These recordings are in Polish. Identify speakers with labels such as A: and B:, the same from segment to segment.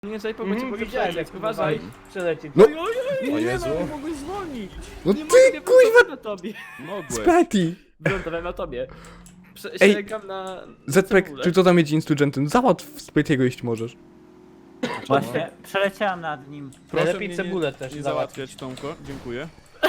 A: Nie, tutaj pomocy mogę
B: Widziałem,
A: przelecieć,
B: jak
A: uważaj.
B: przelecieć.
C: No.
A: Oj,
D: O
A: nie
D: Jezu.
A: no, mogłeś zwolnić.
C: No
A: Nie
C: ty,
A: mogę,
C: kuźwa,
A: na tobie.
D: Mogłeś.
C: Spati!
A: Wylądowałem na tobie.
C: Ej,
A: Sięgam na...
C: Zpek,
A: cebulę.
C: czy to tam jedzie instugentem? Załatw Spatiego, jeśli możesz.
E: Właśnie, przeleciałem nad nim.
D: Proszę
B: Najlepiej
D: mnie
B: cebulę też
D: nie
B: załatwić.
D: załatwiać, Tomko. Dziękuję.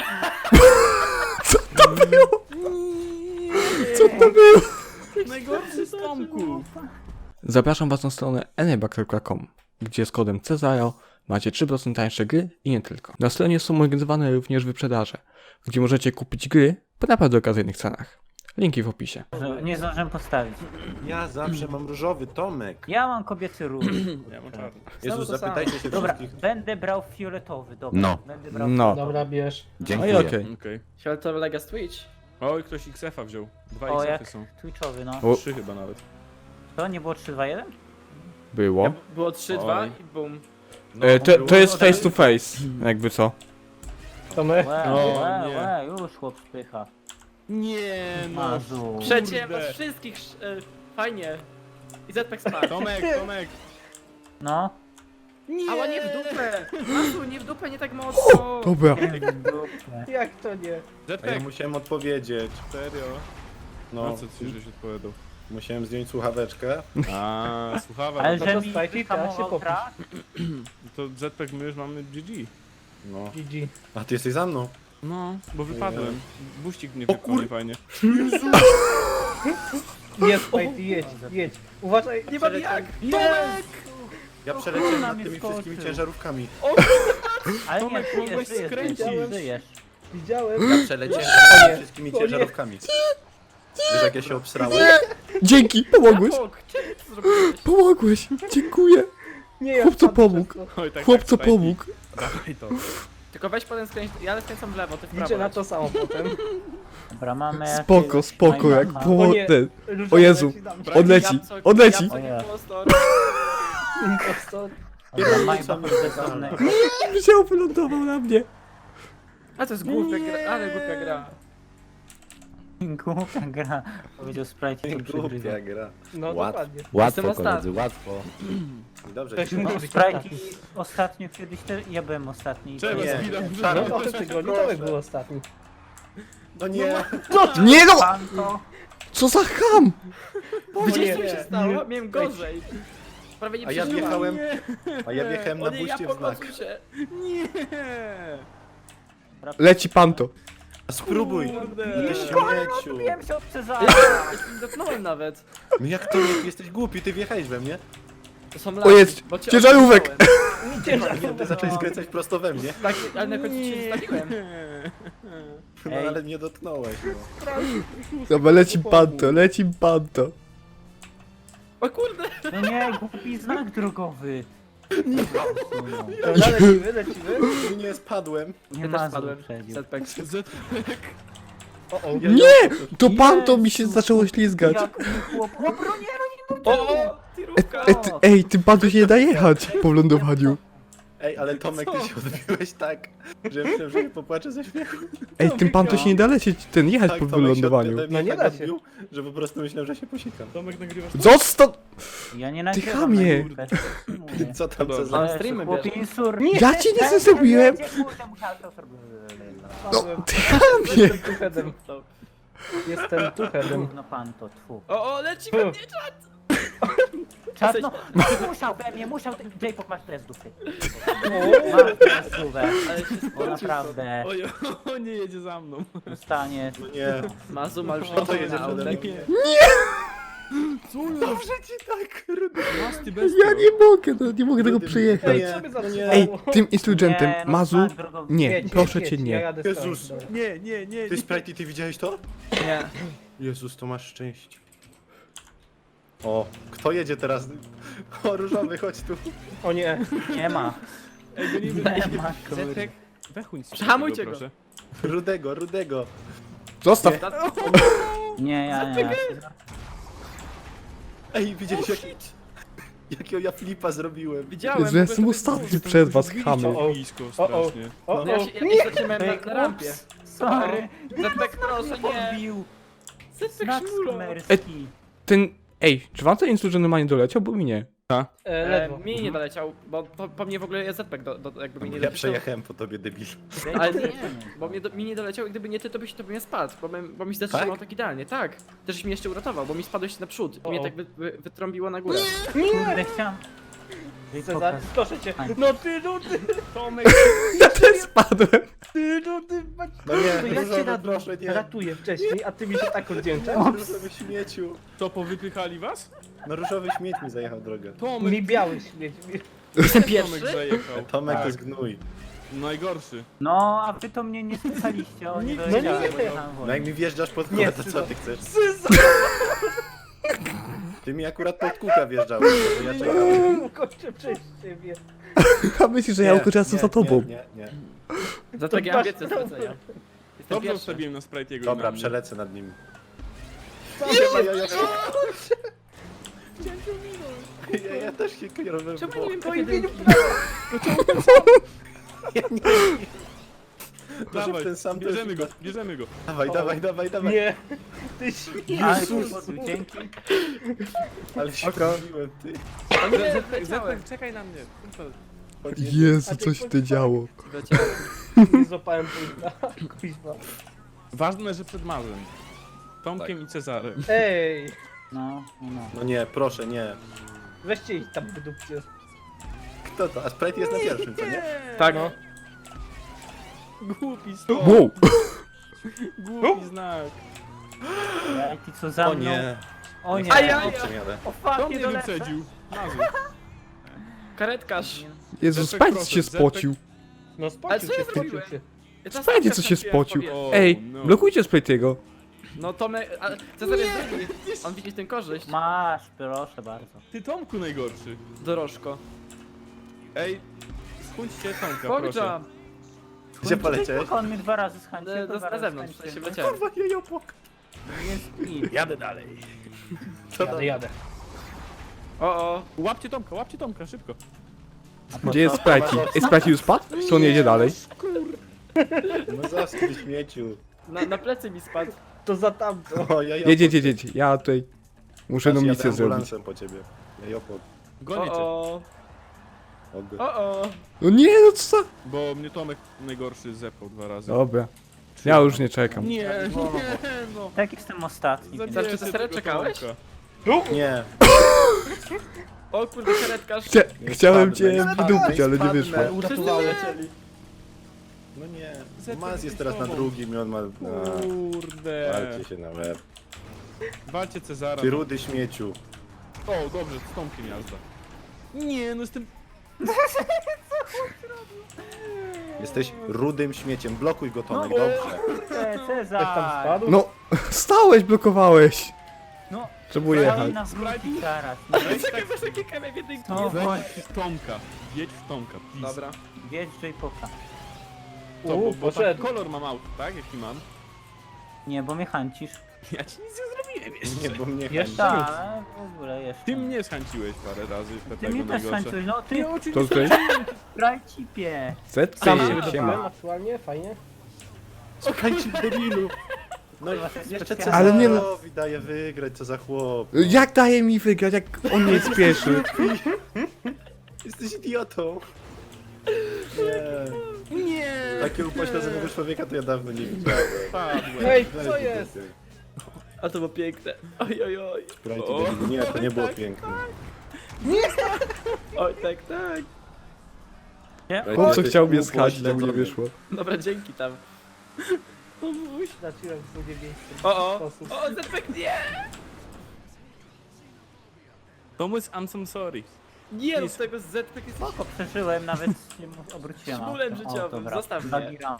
C: Co to było? Co to było?
D: Najgorszy z Tomków.
C: Zapraszam was na stronę eneba.com, gdzie z kodem Cezaro macie 3% tańsze gry i nie tylko. Na stronie są organizowane również wyprzedaże, gdzie możecie kupić gry po naprawdę okazyjnych cenach. Linki w opisie.
E: Nie zdążyłem postawić.
F: Ja zawsze mam różowy, Tomek.
E: Ja mam kobiecy róż.
D: Ja mam czarny.
F: Jezus,
A: to samo.
F: zapytajcie się
E: Dobra,
F: wszystkich.
E: będę brał fioletowy, dobra.
G: No.
E: Będę brał
C: No.
B: Dobra, bierz.
C: No i
G: Dziękuję.
C: okej.
D: Okej.
A: Fioletowy Legas Twitch.
D: Oj, ktoś XF-a wziął. Dwa
E: O,
D: XF-y
E: jak
D: są.
E: twitchowy, no.
C: O.
D: 3 chyba nawet.
E: To nie było 3-2-1?
C: Było.
A: Było 3-2
D: Oj.
A: i bum.
F: No,
C: To jest face to face, jakby co.
B: To my.
D: nie.
E: Już chłop spycha.
D: Nie no.
E: Mazu.
A: Przecięłem
D: Kurde.
A: was wszystkich, fajnie. I Zpek spadł.
D: Tomek, Tomek.
E: No.
A: Ała, nie w dupę! Masu, nie w dupę, nie tak mocno!
C: Dobra.
B: Jak to nie?
F: A ja
D: Zetek.
F: musiałem odpowiedzieć.
D: Serio?
F: No,
D: No co ci żeś odpowiadał?
F: musiałem zdjąć słuchaweczkę.
D: A, słuchawa.
E: Ale
D: No
E: że
B: to
E: mi
B: spajki, teraz się
E: hamował
B: popisz.
E: trak?
D: to Zetek my już mamy GG.
F: No.
B: GG.
F: A ty jesteś za mną.
D: No, bo wypadłem. Buścik mnie
F: O
D: wypchał niefajnie.
B: Jest, Spajty, jedź, jedź. Uważaj,
A: Nie mam jak!
F: Ja
E: O,
F: przeleciałem
E: kurna,
F: nad
E: mnie
F: tymi
E: skoczył.
F: wszystkimi ciężarówkami.
E: Ale nie,
D: Tomek,
E: żyjesz,
D: mogłeś
E: żyjesz,
D: skręcić.
E: żyjesz, żyjesz.
B: widziałem.
F: Ja przeleciałem
B: O
F: nad
B: nie.
F: tymi wszystkimi
B: O nie.
F: ciężarówkami. Wiesz jak ja się obsrałem?
C: Dzięki, pomogłeś.
A: Rapok, czemu to zrobiłeś?
C: Pomogłeś, dziękuję.
B: Nie, ja
C: Chłopco
B: wpadłem
C: pomógł.
B: przez to.
D: Oj, tak,
C: Chłopco
D: tak,
C: pomógł.
D: Dawaj to.
A: Tylko weź potem skręć, ja skręcam w lewo, ty w prawo.
B: Liczę na to samo potem.
E: Dobra, mamy
C: Spoko,
E: jakiegoś
C: spoko, jak
E: Majbaka.
C: było
B: O nie.
C: ten.
B: Różowy
C: O Jezu.
B: leci na mnie.
C: Odleci, odleci.
A: Jabłco,
E: O nie.
A: impostor.
B: Impostor.
E: Dobra, Majbach bezdomny.
C: Wziął, wylądował na mnie.
A: A to jest głupia gra, ale głupia gra.
E: Głupia gra. Powiedział Sprite i to przegryza.
F: Głupia gra.
B: No
F: Łatwo.
B: dokładnie.
A: Jestem
G: Łatwo,
A: ostatni.
G: koledzy, łatwo.
F: Dobrze,
B: Ktoś
F: ci
B: musi
E: No,
B: być
E: Sprite
B: ostatni.
E: ostatnio kiedyś też, ja byłem ostatni.
D: Czemu
F: Nie.
D: zbidam
B: No
F: No,
B: to w tym tygodniu Tomek był ostatni.
F: No nie.
C: Nie no!
E: Panto.
C: Co za ham!
A: Widzicie co mi
B: nie.
A: się stało? Miałem gorzej. Prawie nie
F: A ja
A: przeżyłam.
F: wjechałem, a ja wjechałem
A: O
F: na
A: nie, ja
F: buście w znak.
A: podnoszę się.
D: Nie.
C: Leci panto.
F: A spróbuj.
D: Kurde.
F: Ty śmieciu.
E: Odbiłem się od Cezara.
A: Ja się nie dotknąłem nawet.
F: No jak to nie? Ty jesteś głupi, ty wjechałeś we mnie.
A: To są
C: O
A: laki,
C: jest,
A: bo cię
C: ciężarówek.
A: odciąłem.
F: Nie, ty zacząłeś skręcać prosto we mnie.
A: Tak, ale na końcu cię zostawiłem.
F: No
E: Ej.
F: ale nie dotknąłeś. No.
C: Dobra, leci panto, leci panto.
A: O kurde!
E: No nie, głupi znak drogowy.
B: Dobra, lecimy, lecimy.
F: Nie spadłem.
E: Nie
A: Ja
E: ma
A: też spadłem.
E: wyprzedził.
A: Setback.
B: O, o.
C: Nie! To panto mi się zaczęło ślizgać.
E: Jak mi chłop... O, bronię,
A: O! Tirówka!
C: Ej, tym panto się nie da jechać po lądowaniu.
F: Ej, ale Tomek, ty się odbiłeś tak, że myślałem, że się popłaczę ze śmiechu.
C: Ej, tym panto się nie da lecieć, jechać
F: Tak,
C: po
F: Tomek się
C: wylądowaniu.
F: ode mnie
B: No nie
F: tak
B: da się.
F: odbił, że po prostu myślałem, że się posikam.
D: Tomek, nagrywasz to?
C: Zostaw!
E: Ja nie nagrywam
C: chamie.
E: na grupę. Mówię.
F: Co tam, co
D: Dobra.
F: za...
A: Ale streamy
E: Chłopie
A: bierze.
E: insur.
C: Ja ci nic nie zrobiłem! No, ty chamie!
B: Jestem tuchedem. Jestem tuchedem.
E: No pan to, tfu.
A: O, leci we mnie czat!
E: Czas, no, musiał we mnie, musiał, J-Pop masz teraz dupy. Masz teraz dupę.
A: Ale się
E: Bo
A: spocił.
E: naprawdę,
D: Oj, o, nie jedzie za mną.
E: dostaniesz.
F: No nie.
A: Mazu ma już
F: No to
A: nie
F: jedzie przede mną.
D: Dobrze ci tak, rudy. Masty bez
C: Ja nie mogę tego przejechać.
B: Ej,
F: Nie,
B: co by
F: no nie.
B: zatrzymało?
C: Ej, tym instrugentem,
E: Nie, no,
C: Mazu,
E: znak drogowy.
C: nie,
B: Jedź,
C: proszę
B: jedź,
C: cię,
B: Ja
C: nie.
B: jadę z
F: Jezus.
B: tobą.
D: Nie, nie, nie.
F: Ty Sprite, ty widziałeś to?
A: Nie.
F: Jezus, to masz szczęście. O, kto jedzie teraz? O, różowy, chodź tu.
B: O nie.
E: Nie ma.
D: Ej, go nie
E: Nie ma,
D: Zetek, wechuń z
A: Przehamujcie go.
D: proszę.
F: Rudego, rudego.
C: Zostaw.
E: Nie, ja.
F: Ej, widziałeś jakiego ja flipa zrobiłem?
A: Widziałem.
C: Jezu, ja jestem ostatni przez was, chamy.
B: O, o.
D: Blisko,
B: O, o.
D: strasznie.
B: O,
A: No ja
B: o.
A: się, ja się zatrzymałem na rampie.
E: Sorry.
A: Zetek, proszę, nie.
E: Odbił.
A: Zetek
E: Znak
A: szmulo.
E: skamerski.
C: Ej, czy wam ten insurgent normalnie doleciał, bo mi nie.
B: Ledwo.
A: Mi nie doleciał, bo po mnie w ogóle jest ZPEK, jakby mi nie
F: Ja
A: doleciał.
F: przejechałem po tobie, debil.
A: Ale nie, bo mi nie doleciał i gdyby nie ty, to byś nie spadł, bo mi zatrzymał tak idealnie, tak. Też mi jeszcze uratował, bo mi spadłeś naprzód i mnie tak wytrąbiło na górę.
E: Kurde, chciałem...
B: Cezar, proszę cię.
E: Aj.
B: No ty.
D: Tomek,
C: Ja też spadłem.
F: No nie,
B: To ja cię
F: różowy, proszę, nie.
B: ratuję wcześniej, a ty mi się tak oddzięczasz.
F: Różowy śmieciu.
D: to powypychali was?
F: No różowy śmieć mi zajechał drogę.
D: Tomek,
B: Mi biały śmieć.
A: Jestem
D: Tomek
A: pierwszy?
D: zajechał.
F: Tomek to
D: Tak.
F: jest gnój.
D: Najgorszy.
E: No, a wy to mnie nie słyszeliście, oni
B: No
E: doleciałem,
B: nie.
E: bo jechałem
F: No
E: wolniej.
F: jak mi wjeżdżasz pod
B: Nie,
F: kółka, to co
B: Syzo.
F: ty chcesz? Ty mi akurat pod kółka wjeżdżałeś, bo ja czekałem.
B: Kończę przez ciebie.
C: A myślisz, że ja ukoczę za tobą.
F: Nie.
A: Za tak ja mam więcej
B: To masz
A: stracenia. Jestem
D: Dobrze
A: pierwszy.
D: ustawiłem na Sprite'ego.
F: Dobra, przelecę nad nim. Ja też się kierowałem.
A: Czemu nie wiem po
F: Proszę w ten sam też-
D: Bierzemy go.
F: Dawaj.
B: Nie. Ty śmiesz.
E: Ale dzięki.
F: Ale się wkurwiłem, ty.
D: Zetek, czekaj na mnie.
C: Jezu, coś się tu działo.
B: Nie złapałem późna. Kuźwa.
D: Ważne, że przed Marzem. Tomkiem i Cezarem.
B: Ej.
E: No.
F: No nie, proszę, nie.
B: Weźcie ich tam wydupcie.
F: Kto to? A Sprite jest na pierwszym, co nie?
A: Tak.
B: No.
D: Głupi stop.
C: Wow.
D: Głupi znak.
E: Ej, ty co za
F: O
E: mną?
F: nie.
E: O nie.
A: Ajaj.
F: Owszem, jadę.
E: O
D: Kto
E: fuck, nie
D: mnie
E: dolecę.
D: wyprzedził? Mazu.
A: Karetkarz.
C: Jezu,
D: Zetek
C: Spajcie
D: proszę,
C: się
D: Zetek.
C: spocił.
B: No
A: Ale
B: spocił
A: co
B: się,
A: ja
B: spocił
A: zrobiłem?
B: się.
A: Ja teraz
C: Spajcie,
A: tak
C: co się
A: trafiłem w
C: spocił.
A: powietrze.
D: O,
C: Ej,
D: no.
C: blokujcie Spajtiego.
A: No Tomek, Cezar jest drugi. On widzi tę korzyść.
E: Masz, proszę bardzo.
D: Ty Tomku najgorszy.
A: Dorożko.
D: Ej, schudźcie Tomka, proszę.
A: Pogdża.
F: Gdzie poleciałeś?
E: On mnie 2 razy zhańcił.
A: Na zewnątrz, w sensie wleciałem.
F: Jadę dalej.
B: Jadę.
A: O.
D: Łapcie Tomka, szybko.
C: Gdzie jest Sprite? Ej, Sprite już spadł? Czy on jedzie dalej?
F: No zaskój śmieciu.
A: Na plecy mi spadł.
B: To za tamto.
F: O, ja
C: Jedź. Ja tutaj muszę jedną misję zrobić.
F: ambulansem po ciebie. Ja jopok.
D: Gonię cię,
A: O.
F: O.
C: No nie, no co za...
D: bo mnie Tomek najgorszy zepał 2 razy.
C: Dobra. Ja już nie czekam.
D: Nie, no.
E: Tak jestem ostatni.
D: Zabijecie
A: Znaczy, to serio
D: tego
A: czekałeś?
D: Tomka.
F: Nie.
A: O kurde, karetkarz.
C: Chciałem cię
F: Spadnę,
C: wydupić, ale nie
F: spadnę.
C: wyszło.
B: Uratowałem.
F: No nie.
D: Zetek
F: Maz jest
D: jest
F: teraz na
D: tobą.
F: drugim i on ma...
D: Kurde.
F: Walcie się na łeb.
D: Walcie Cezara.
F: Ty rudy śmieciu.
D: O, dobrze, z Tomkiem jazda. Nie, no jestem...
F: Jesteś rudym śmieciem. Blokuj go, Tomek,
D: No.
F: dobrze.
B: Ktoś tam
E: Cezar!
B: spadł?
C: No, stałeś, blokowałeś.
E: No,
C: Trzeba
E: daj
C: jechać.
E: nas wrócić zaraz.
A: Czekaj, masz takie kamienie w jednej
E: No,
D: Weź w Tomka. Jedź w Tomka, please.
A: Dobra.
E: Wiedź J-Poka.
D: Co, bo tak
B: poszedł.
D: kolor mam auto, tak? Jaki mam?
E: Nie, bo mnie hańcisz.
D: Ja ci nic nie zrobiłem jeszcze.
F: Nie, bo mnie
B: Jeszcze
E: Tak, w ogóle jeszcze.
D: Ty mnie zhańciłeś parę razy,
E: Ty
D: tego
E: mnie też
D: najgorsze.
E: hańczyłeś, no ty
C: To tutaj?
E: brajcipie.
C: Zety,
B: Sam się
C: siema.
B: wydupałem aktualnie, fajnie.
F: Słuchajcie, debilu. No jeszcze
E: Ale
C: Ale nie no.
F: Cezarowi daje wygrać, co za chłop.
C: Jak daje mi wygrać, jak on nie jest pierwszy?
F: Jesteś idiotą. Nie.
D: Nie!
F: Takiego upośledzonego człowieka to ja dawno nie widziałem.
D: Padłem.
B: Ej, co jest?
A: A to było piękne. Oj.
F: Sprite, debilu. Nie, to nie było piękne.
A: Oj, tak.
E: Nie?
C: Chłopco
F: Jesteś
C: chciał mnie skać, ale mu nie
F: upośledzony.
C: wyszło.
A: Dobra, dzięki tam.
B: Zacząłem w drugie miejsce.
A: O.
B: Sposób.
A: O, Zepek, nie!
D: Thomas, I'm so sorry.
A: Nie, no z tego Zepek jest...
E: Spoko, przeżyłem, nawet się obróciłem.
A: Szmulem
E: autem.
A: życiowym,
E: O, dobra.
A: zostaw mnie.
E: Zabieram.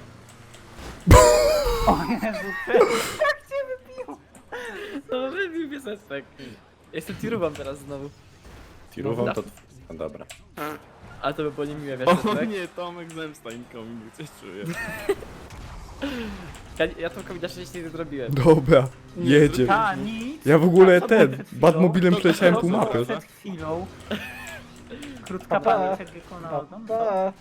E: O Jezu, jak cię wybił?
A: No, wybił mnie Zepek. Jestem tirową teraz znowu.
F: Tirową to... No dobra.
A: Ale to by było niemiłe, wiesz,
D: O
A: Zepek?
D: nie, Tomek zemsta nikomu nie coś czuję.
A: Ja Tomkowi na szczęście nie zrobiłem.
C: Dobra, jedzie.
E: Ta, nic.
C: Ja w ogóle
E: A co było
C: ten,
E: przed chwilą?
C: Batmobilem przeleciałem
D: to
C: pół
D: co?
C: mapy.
E: Przed chwilą. Krótka
B: Pa,
E: pamięć jak wykonał. No,
B: Pa.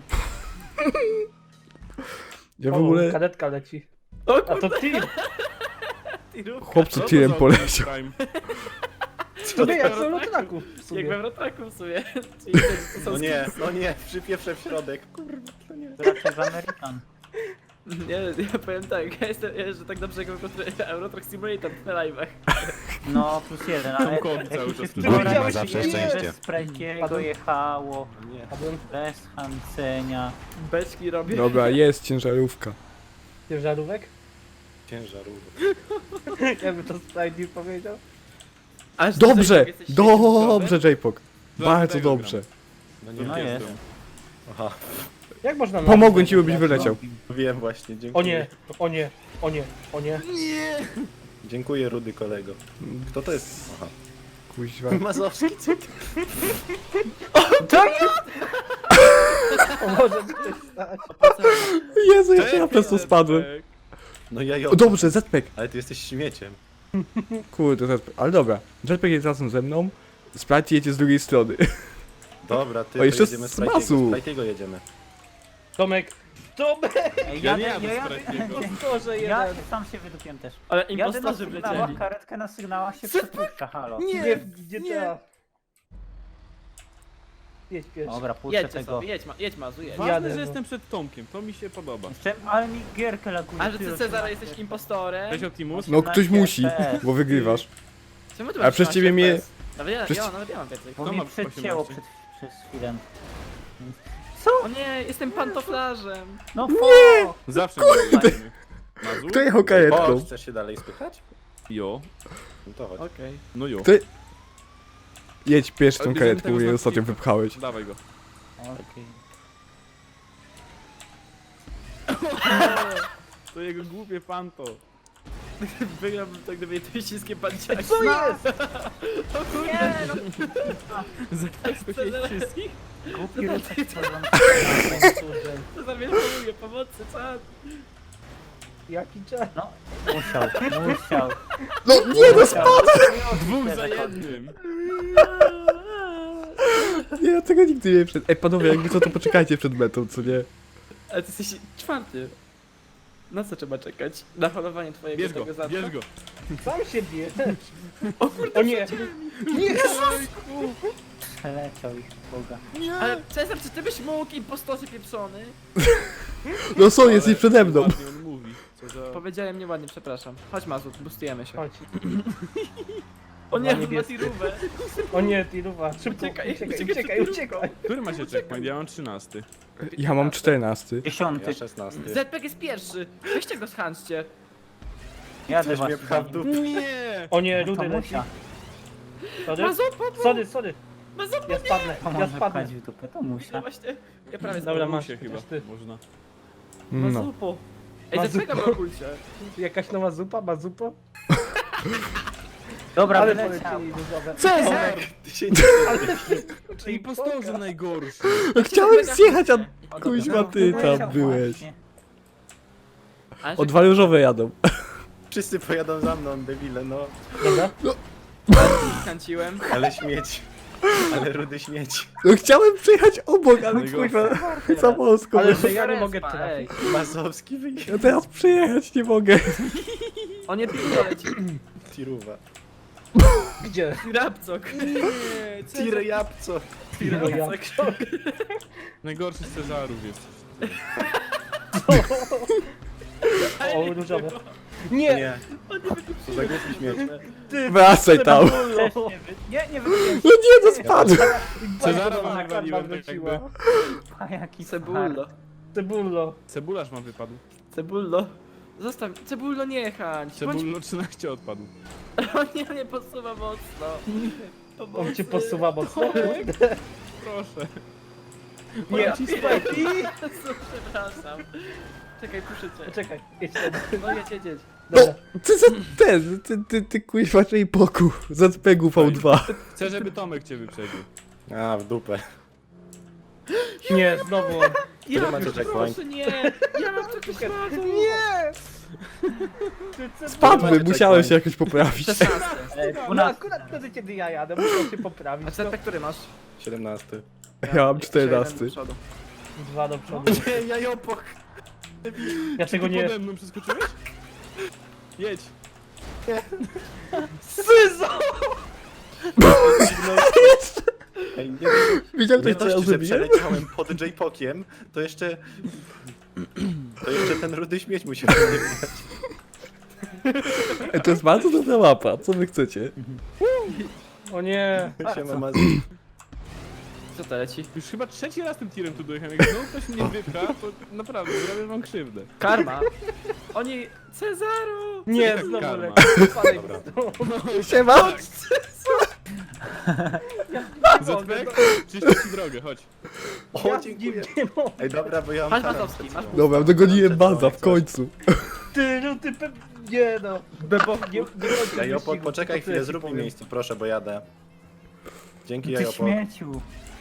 C: Ja w ogóle...
B: Kadetka leci.
A: O
B: A to ty!
A: tirówka.
C: Chłopcu
D: Co to
C: tirem
D: za
C: poleciał.
D: Prime?
B: Tobie jak w Eurotraku w
A: Jak
B: sumie.
A: we Wrotraku w sumie. Czyli to są
F: No nie, przypieprze w środek. Kurwa, to nie.
E: To raczej w American.
A: Nie, ja powiem tak, ja jeżdżę tak dobrze jak w Eurotrack Simulator na live'ach.
E: No, +1, ale
D: Tomkowi cały
E: jak
D: czas
E: się
D: tu
E: wczoraj
B: widziałeś,
G: zawsze
B: nie.
G: szczęście.
E: bez Sprajkiego
B: Padłem.
E: jechało,
F: Nie,
B: Padłem
E: bez Hancenia.
A: Beczki robię.
C: Dobra, jest ciężarówka.
B: ciężarówek?
F: ciężarówka.
B: Jakby to Spidey powiedział.
A: Aż
C: Dobrze!
A: ty, jesteś
C: Dobrze, J-Pok.
D: Dla
C: Bardzo
D: tego
C: dobrze.
F: No nie,
E: No jest.
F: Aha,
B: Jak można na
C: Pomogłem ci, byś wyleciał.
F: wiem właśnie, dziękuję.
B: O nie, o nie, o nie, o nie.
F: Dziękuję, rudy kolego. Kto to jest? Aha.
C: Kuźwa.
F: Mazowski, co ty?
B: O, może mi coś stać.
C: Jezu, jeszcze na prostu spadłem.
F: No ja
C: O, dobrze, Zpek.
F: Ale ty jesteś śmieciem.
C: Kurde, Zpek. Ale dobra. Zpek jest razem ze mną. Sprite jedzie z drugiej strony.
F: Dobra, ty
C: O, jeszcze
F: jedziemy
C: z masu.
F: Sprite'ego jedziemy.
B: Tomek! Tomek!
E: Ej,
D: Ja nie jadę z
E: jadę,
D: Sprajkiego.
B: Boże,
E: ja
B: jeden.
E: sam się wydupiłem też.
A: Ale
E: Jadę na
A: impostorzy
E: sygnałach,
A: wlecieli.
E: karetka na sygnałach się przepuszcza, halo.
B: Nie, gdzie trzeba. Jedź pierwszy.
E: Dobra, puszczę
A: Jedźcie
E: tego.
A: sobie, jedź Mazu, jedź.
B: Jadę,
D: Ważne, że
B: no.
D: jestem przed Tomkiem, to mi się podoba.
E: Jeszcze, ale mi gierkę laguje.
A: A że ty Cezara jesteś impostorem?
D: Cześć Optimus.
C: No ktoś musi, bo wygrywasz.
A: Czemu ty
C: A
A: masz
C: przez
A: 13
C: ciebie mnie-
A: FPS? Nawet ja,
C: przez-
A: nawet ja mam więcej.
E: Bo
D: Kto
E: mi
D: ma
E: przedcięło
D: 18?
E: przez chwilę.
A: O nie, jestem pantoflarzem.
E: No
D: Zawsze będziemy. Mazu?
C: Kto jechał
F: O,
C: karetką?
F: chcesz się dalej spychać?
D: Jo.
F: No to chodź.
A: Okej.
D: No jo.
C: Ty- Jedź pierwszy
D: Ale
C: tą
D: bierzemy
C: karetką,
D: tego
C: jej
D: z
C: ostatnio
D: odcinka.
C: wypchałeś.
D: Dawaj go.
E: Okej.
D: To jego głupie panto.
A: Wygrałbym to, gdyby to ściskie panciaki.
B: Co jest?
E: Nie, no
D: Zaskociłeś wszystkich?
E: głupi rutek co wam
A: To zamierzchuje pomocy, co?
B: Jaki czas?
E: No, musiał.
C: No nie, no spadł!
D: Dwóch za jednym.
C: Nie, ja tego nigdy nie przed. Ej, panowie, jakby co, to poczekajcie przed metą, co nie?
A: Ale ty jesteś czwarty. Na co trzeba czekać? Na holowanie twojego
D: Bierz go,
A: tego zadka?
D: bierz go.
B: Sam się bierz. O nie! Nie!
E: Przeleciał ich Boga.
A: Ale Cezar, czy ty byś mógł impostorze pieprzony?
C: No są, jest i
D: Ale
C: przede mną.
D: ładnie on mówi. Co za...
A: Powiedziałem nieładnie, przepraszam. Chodź Mazu, boostujemy się.
B: Chodź.
A: O nie,
B: Niebieski.
A: ma tirówę.
B: O nie, Tiruwa, szybko,
A: Uciekaj,
B: uciekaj, uciekaj.
D: Który macie checkpoint? Ja mam 13.
C: Ja mam 14.
E: 10.
F: Ja 16.
A: Zpek jest pierwszy. Weźcie go schanczcie.
E: Jadę
F: Coś
E: was.
F: mnie pcha w dupę.
D: Nie!
B: O nie,
E: To
B: rudy leci.
E: musia.
B: Sorry,
A: Mazu, pomóż!
B: sorry.
A: Mazu,
B: Ja spadnę,
E: To
B: ja
E: może
B: spadnę.
E: wpaść w dupę, to
A: No
E: musia.
A: właśnie, ja prawie
B: Dobra,
A: spadłem.
B: masz,
D: się chyba.
B: chociaż ty.
D: Można.
C: No.
A: Mazupo. Ej,
B: Mazupo.
A: Zpeka w okulcie.
B: Jakaś nowa zupa, bazupo?
E: Dobra,
B: Ale
E: wyleciał.
B: polecieli różowe.
A: Cezar!
F: Ty się nie...
D: I impostorze najgorszy.
C: No chciałem zjechać, a
E: O,
C: kuźwa
E: dobra,
C: ty
E: wyleciał
C: tam byłeś.
E: właśnie.
A: Ale
C: O, dwa różowe jadą.
F: Wszyscy pojadą za mną, debile, no.
B: Dobra?
A: skręciłem.
F: Ale śmieć. Ale rudy śmieć.
C: No chciałem przejechać obok, ale
D: Najgorsze.
C: kuźwa za wąsko.
B: Ale
C: wyszło.
B: że ja nie mogę
A: Respa,
B: trafić.
A: ej.
F: Mazowski wyjdzie.
C: Ja teraz przejechać nie mogę.
A: O nie, piłka leci.
F: Tiruwa.
B: Gdzie?
A: Rapcok.
F: Tir jabco.
A: Rapcok.
D: Najgorszy z Cezarów jest.
B: O, różowe. Nie!
F: Nie. To za głupi śmieć.
C: Wracaj tam.
E: Też nie wygląda.
C: No nie, to spadł.
D: Cezara
B: Bardzo
D: wam
B: karma
D: wywaliłem tak
B: wróciła.
D: jakby.
E: A jaki
A: Cebullo.
B: Cebullo.
D: Cebularz ma wypadł.
A: Cebullo. Zostaw, Cebullo nie chęć.
D: Cebullo 13 odpadł.
A: O nie podsuwa mocno.
B: On cię posuwa mocno.
D: Proszę.
B: Nie,
A: Przepraszam. Czekaj, puszę cię.
B: czekaj, jedź ten.
A: No jedź.
C: No,
B: Dobra.
C: ty za ten, ty kuźwa czyj poku. Za spegu V2.
D: Chcę, żeby Tomek cię wyprzedził.
F: A, w dupę.
B: Nie, znowu on.
A: Ja
F: macie checkpoint?
A: proszę, nie. Ja mam tylko szlaku.
B: Nie!
C: Spadły, musiałem się jakoś poprawić.
A: 16.
B: No
E: 12.
B: akurat wtedy, kiedy ja jadę, muszę się poprawić.
A: A Zpek, który masz?
F: 17.
C: Ja mam
A: Jeszcze jeden
C: 14.
A: do przodu.
B: Dwa do przodu.
F: Nie, jajopok.
B: Ja tego
D: Ty
B: nie...
D: pode mną przeskoczyłeś? Jedź.
B: Syzo!
F: Ej, nie,
C: Widział
F: nie
C: ktoś, co ja
F: dość, że
C: zrobiłem?
F: przeleciałem pod J-Pokiem, to jeszcze... To jeszcze ten rudy śmieć musiał nie widać.
C: To jest bardzo dobra mapa, co wy chcecie?
B: O nie.
F: Siema, Mazu.
A: Co to leci?
D: Już chyba trzeci raz tym tirem tu dojechałem. Jak znowu ktoś mnie wypcha, to naprawdę zrobię wam krzywdę.
A: Karma. Oni... Cezaro!
B: Nie,
D: tak
B: znowu
D: karma?
B: leci. Spadaj.
C: Siema!
D: Zetvek, czyści ci drogę, chodź.
F: O, dziękuję. Ej, dobra, bo ja mam
A: Masz
F: taras
A: Mazowski,
F: przed
A: masz
F: sobą.
C: Dobra, dogoniłem baza w końcu.
B: Ty, no ty nie no. Bebo, nie
F: Ja Jopok, poczekaj chwilę, zrób mi miejsce, proszę, bo jadę. Dzięki,
E: Ty
F: Jopok.
E: śmieciu.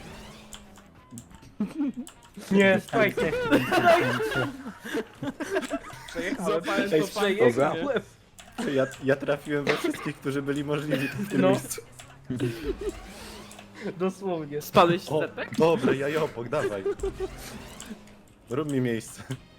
B: Nie, słuchajcie.
D: Złapałem
F: Ej,
D: to fajnie.
C: Dobra.
F: Ja trafiłem we wszystkich, którzy byli możliwi w tym
B: No.
F: miejscu.
B: Dosłownie.
A: Spadłeś
F: O,
A: Zetek?
F: dobra, ja Jopok, dawaj. Rób mi miejsce.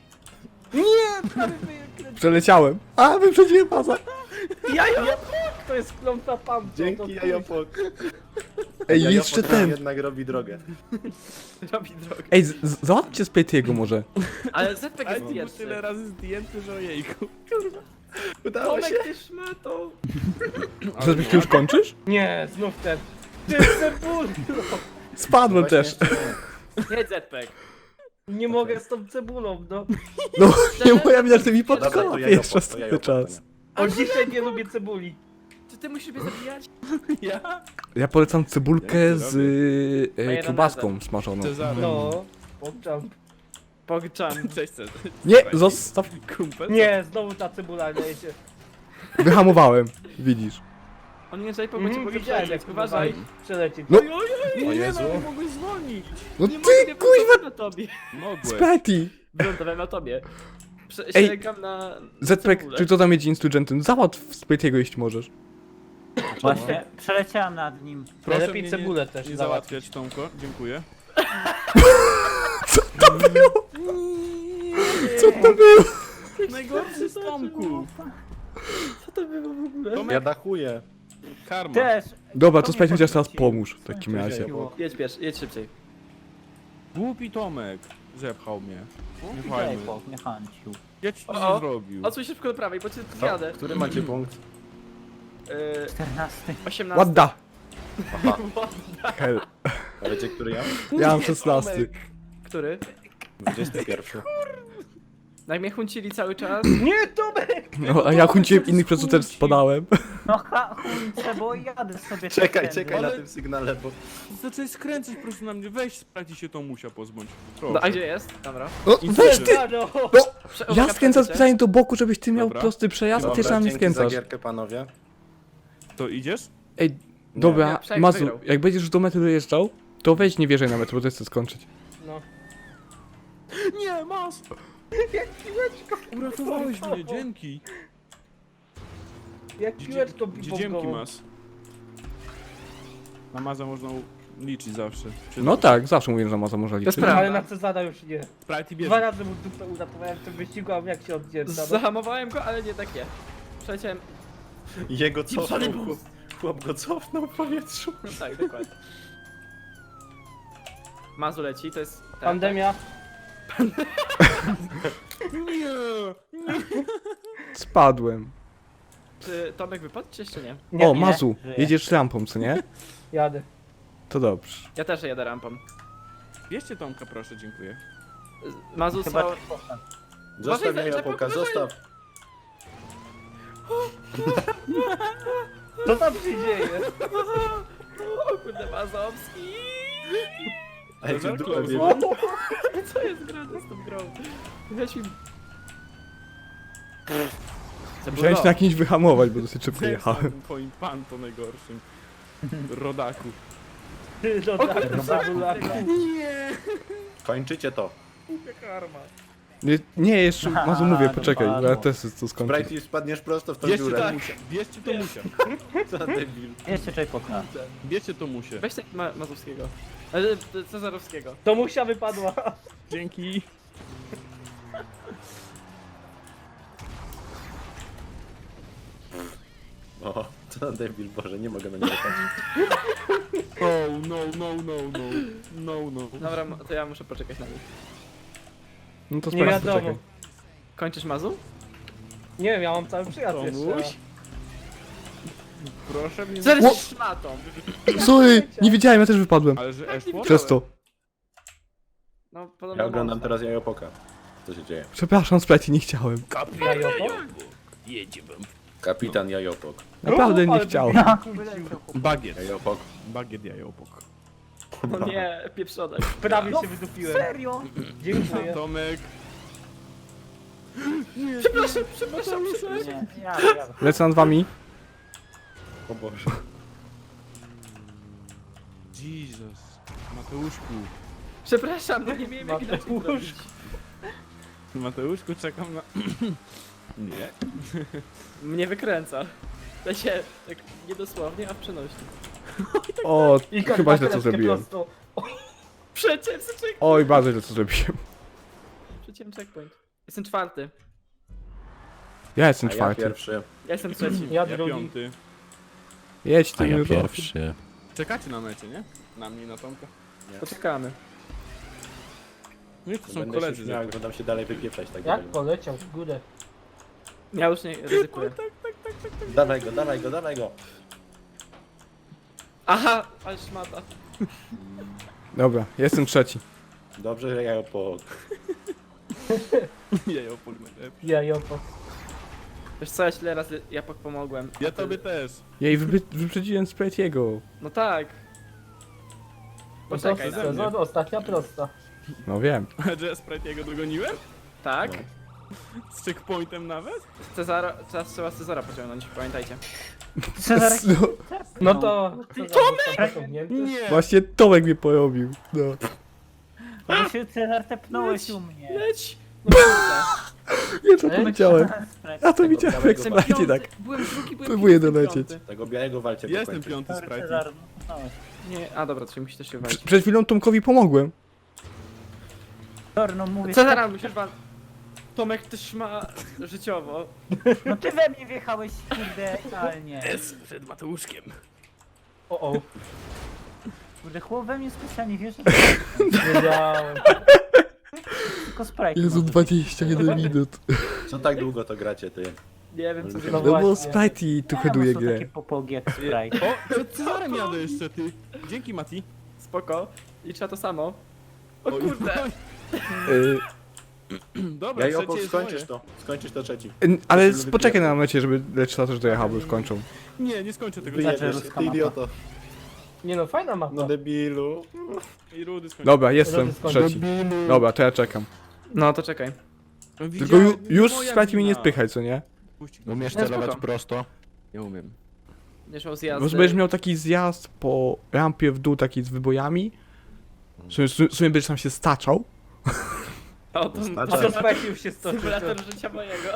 C: Przeleciałem. A, wyprzedziłem baza.
B: To jest klątwa pan.
F: Dzięki, Jajopok.
C: Ej,
F: Jajopok
C: jeszcze
F: nam
C: ten.
F: jednak robi drogę.
A: Robi drogę.
C: Ej, załatwcie z Pejtiego może.
A: Ale Zetek
D: Ale
A: jest
D: to był
A: pierwszy.
D: tyle razy zdjęty, że ojejku.
F: Udało się.
A: Tomek, ty szmato.
C: Żebyś ty już kończysz?
B: Nie, znów ten. Ty cebulą.
C: Spadłem
F: Właśnie
C: też.
F: jeszcze nie.
A: Jedź Zetek.
B: Nie mogę z tą cebulą, no.
C: No, nie moja mina, że mi
F: Dobra,
C: podkoła
F: to
C: pierwszy
F: Jajopok, to
C: cały
F: Jajopok.
C: czas.
B: O, dzisiaj nie lubię cebuli.
A: Czy ty musisz mnie zabijać?
D: Ja?
C: Ja polecam cebulkę
D: Jak
C: z
D: to
C: kiełbaską smażoną.
D: Cezary.
B: No. Pogczam.
A: Pogczam.
D: Cześć, Cezary.
C: Nie, zostaw.
D: Kumpel?
B: Nie, znowu ta cebula lejecie.
C: Wyhamowałem. Widzisz.
A: On nie zajpał, bo cię mogę
B: Widziałem
A: przelecieć.
B: jak
A: Uważaj.
B: przelecieć.
C: No.
F: O Jezu.
D: Nie mogłeś zwolnić.
C: No
A: Nie
C: ty,
A: mogę,
C: kuźwa,
A: na tobie.
D: Mogłeś.
C: Spati.
A: Wylądowałem na tobie.
C: Ej,
A: Sięgam na...
C: Zetrek,
A: cebulę.
C: czy to tam jedzie instugentem? Załatw z Pejtiego, jeśli możesz.
E: Właśnie, przeleciałem nad nim.
D: Proszę
B: Najlepiej
D: mnie
B: cebulę też
D: nie
B: załatwić.
D: załatwiać, Tomko. Dziękuję.
C: Co to było? Co to było?
D: Najgorszy z Tomków.
A: Co to było w ogóle?
F: Ja dachuję.
D: Karma.
E: Też.
C: Dobra,
E: To
C: to
E: mnie
C: Spajt chociaż teraz
E: podrzuciło.
C: pomóż w takim razie.
A: Jedź pierwszy, jedź szybciej.
D: Głupi Tomek. Zepchał mnie. Nie
E: Daj
D: fajny.
E: po, nie hanciu.
D: Ja ci nic
A: O,
D: nie zrobił.
A: Odsuń szybko do prawej, bo cię
F: Co?
A: jadę.
F: Który macie punkt?
E: 14.
A: 18.
C: Ładda. Hell.
F: A wiecie, który ja?
C: Ja mam 16.
A: Który?
F: 21.
A: Jak mnie huncili cały czas.
B: Nie, Tomek!
C: No, a ja hunciłem innych, przez co też spadałem.
E: No chujcie, bo jadę sobie
F: Czekaj,
E: tędy.
F: czekaj na
D: Ale-
F: tym sygnale, bo...
D: Zacząłeś skręcać po prostu na mnie. Weź sprawdź się tą musia pozbądź.
A: No, a
D: Proszę.
A: gdzie jest? Dobra.
C: No, weź ty!
B: No.
C: Ja skręcam specjalnie do boku, żebyś ty miał
D: Dobra.
C: prosty przejazd, a ty
F: Dobra,
C: sam nie
F: dzięki za
C: skręcasz.
F: gierkę, panowie.
D: To idziesz?
C: Ej,
F: Nie,
C: dobra,
A: Przejazd
C: Mazu,
A: wygrał.
C: jak będziesz już do metry dojeżdżał, to weź nie wierzaj na metr, bo to chcę skończyć.
B: No.
D: Nie, masz!
B: Jak piłeczko.
D: Uratowałeś mnie, dzięki.
B: Jak piłeczko
D: Gdzie dzięki
B: bibongową.
D: masz? Na Maza można liczyć zawsze. Czy
C: No tak, zawsze mówię, że Maza może liczyć.
A: prawda.
B: Ale na Cezara już nie.
D: Sprite
B: Dwa
D: bierze.
B: razy mu dupę uratowałem w tym wyścigu, a jak się oddziela. No.
A: Zahamowałem go, ale nie takie. Przeleciałem.
F: Jego cofnął,
A: Psany
F: chłop go cofnął w powietrzu.
A: No tak, dokładnie. Mazu leci, to jest... tak,
B: Pandemia.
D: Nie!
C: Spadłem.
A: tak. Czy Tomek wypadł, czy jeszcze nie?
B: Nie,
C: O,
E: nie,
C: Mazu,
E: żyję.
C: jedziesz rampą, co nie?
B: Jadę.
C: To dobrze.
A: Ja też jadę rampą.
D: Bierzcie Tomka, proszę, dziękuję.
A: Mazu
E: Chyba
A: stał...
F: Zostaw
A: Uważaj,
F: mnie, Japoka,
A: uważaj.
F: zostaw.
B: Co tam się dzieje?
A: O kurde, Mazowski!
F: Ej,
D: Cezar,
F: ty dupę
D: close.
F: bierze.
A: Co jest grane z tą grą? Weź mi...
C: Musiałem się na kimś wyhamować, bo dosyć szybko
D: Zemsta
C: jechałem.
D: tym twoim panto najgorszym. Rodaku.
B: No tak, cebula.
F: Kończycie to.
D: Karma.
C: Nie, jeszcze, Mazu mówię, poczekaj, bo ja
E: dopadło.
C: też chcę to skończyć.
F: Brighty, spadniesz prosto w tą
D: Bierzcie
F: dziurę.
D: to musia. Bierzcie to musia.
F: Co debil.
E: Jeszcze J-Poka.
D: Bierzcie to musie.
A: Weź tak Mazowskiego. Cezarowskiego.
B: To musia wypadła.
D: Dzięki.
F: O, Co za debil, Boże, nie mogę na niego patrzeć.
D: Oh, no, no, no, no. No, no.
A: Dobra, to ja muszę poczekać na nich.
C: No to
B: Nie
C: sprawdź,
B: wiadomo.
C: poczekaj.
A: Kończysz Mazu?
B: Nie wiem, ja mam cały przyjazd jeszcze.
D: Tomuś? Proszę mnie...
A: Zaraz szmatą.
C: Sorry, nie wiedziałem, ja też wypadłem.
D: Ale że Eszło?
C: Przez to.
A: No, podobno
F: Ja oglądam
A: monster.
F: teraz Jajopoka. Co się dzieje?
C: Przepraszam, Sprite, nie chciałem.
B: Jajoko?
F: Kapitan Jajopok.
C: Naprawdę nie
B: ale
C: chciałem.
D: Bagiet.
F: Jajopok.
D: Bagiet jajopok.
A: No nie, pieprzonek.
B: Prawie się wydupiłem.
E: Serio?
B: Dziękuję.
D: Tomek.
A: Przepraszam.
E: Nie, ja.
C: Lecę nad wami.
F: O Boże.
D: Jesus. Mateuszku.
A: Przepraszam, no nie wiem jak inaczej to zrobić.
D: Mateuszku, czekam na... Nie.
A: Mnie wykręca. Wiecie, tak niedosłownie, a w przenośni.
C: O,
B: I
C: chyba źle co
B: karteczkę
C: zrobiłem.
B: prosto.
A: Przeciąłem checkpoint.
C: Oj, bardzo źle co zrobiłem.
A: Przeciąłem checkpoint. Jestem czwarty.
C: Ja jestem
F: A ja
C: czwarty.
F: pierwszy.
A: Ja jestem trzeci.
B: Ja
D: Ja
B: drugi.
D: piąty.
C: Jedź ty,
G: A ja
C: Judo.
G: pierwszy.
D: Czekacie na mecie, nie? Na mnie i na Tomka.
A: Poczekamy.
D: No i to są
F: Będę się
D: koledzy.
F: śmiał, jak będą się dalej wypieprzać tak
B: Jak
F: dalej.
B: poleciał w górę.
A: Ja już nie ryzykuję.
F: Dawaj go, dawaj go, dawaj go.
A: Aha, ale szmata.
C: Dobra, jestem trzeci.
F: Dobrze, że Jajopok.
D: Jajopok najlepszy.
B: Jajoko.
A: Wiesz co, ja tyle razy Japok pomogłem.
D: Ja tobie też.
C: Jej, wyprzedziłem Sprite'ego.
A: No tak. Poczekaj na
D: ze mnie.
B: Sezon, ostatnia prosta.
C: No wiem.
D: Że ja Sprite'ego dogoniłem?
A: Tak.
D: Z checkpointem nawet?
A: Cezara, teraz trzeba Cezara pociągnąć, pamiętajcie.
E: Cezarek
C: No,
B: No to... Tomek!
D: Nie!
C: właśnie Tomek mnie porobił. No.
E: Bo się Cezar tepnąłeś u mnie.
A: Leć! No kurde.
C: Ja to widziałem. Ja to widziałem jak
A: Jestem
C: Sprite
A: piąty.
C: tak.
A: Byłem drugi, byłem
C: Próbuję
A: piąty,
C: dolecieć.
A: piąty.
F: Tego białego walcie
D: Ja jestem
F: dokończyć.
D: piąty
E: Sorry,
D: Sprite.
E: Cezar, no.
A: Nie, a dobra, to się musi też się walić.
C: Przed chwilą Tomkowi pomogłem.
E: Sorry, no mówię.
A: Cezara, musisz pan... Tomek też ma życiowo.
E: No ty we mnie wjechałeś, kurde, idealnie.
D: Przed Mateuszkiem.
B: O,
E: Kurde, chłop we mnie specjalnie wiesz,
B: wiedziałem.
E: tylko Sprite.
C: Jezu,
E: może być.
C: 21 minut.
F: Co tak długo to gracie, ty?
A: Nie wiem co
B: No
A: zrobić.
C: No bo
B: właśnie.
C: Sprite i tu heduje
E: są
C: grę.
E: takie popogi jak Sprite.
D: O, przed Cezarem jadę jeszcze, ty. Dzięki, Mati.
A: Spoko. I trzeba to samo. O
D: Oj,
A: kurde.
D: oj.
C: Y,
D: Dobra,
F: Jajopok,
D: trzecie jest
F: skończysz
D: moje.
F: to. Skończysz to trzeci.
C: ale poczekaj na mecie, żeby Lecz też dojechał, bo już kończą.
D: Nie, nie skończę tego.
E: Wyjadę.
F: Wyjedziesz,
E: ruska
F: ty
E: mapa.
F: idioto.
B: Nie no, fajna
F: No
B: mapa.
F: debilu.
D: I Rudy skończy.
C: Dobra, jestem
B: Skończył.
C: trzeci. Dobra, to ja czekam.
A: No to czekaj.
D: No,
C: Tylko
D: widziałem,
C: już
D: moja
C: Sprite mnie nie
D: wina.
C: spychaj, co nie?
D: Puść go.
G: Umiesz
A: No,
G: celować
A: spoko.
G: prosto?
D: Nie umiem.
A: Nie szło z jazdy.
C: Może będziesz miał taki zjazd po rampie w dół, taki z wybojami. W sumie będziesz tam się staczał.
A: O, to
B: A to Sprite już się stoczył.
A: symulator życia mojego.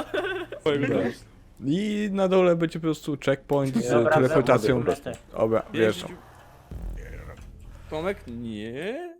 C: I na dole będzie po prostu checkpoint z
E: Dobra,
C: teleportacją.
E: dobra.
C: Dobra, wiesz.
D: Tomek? Nie.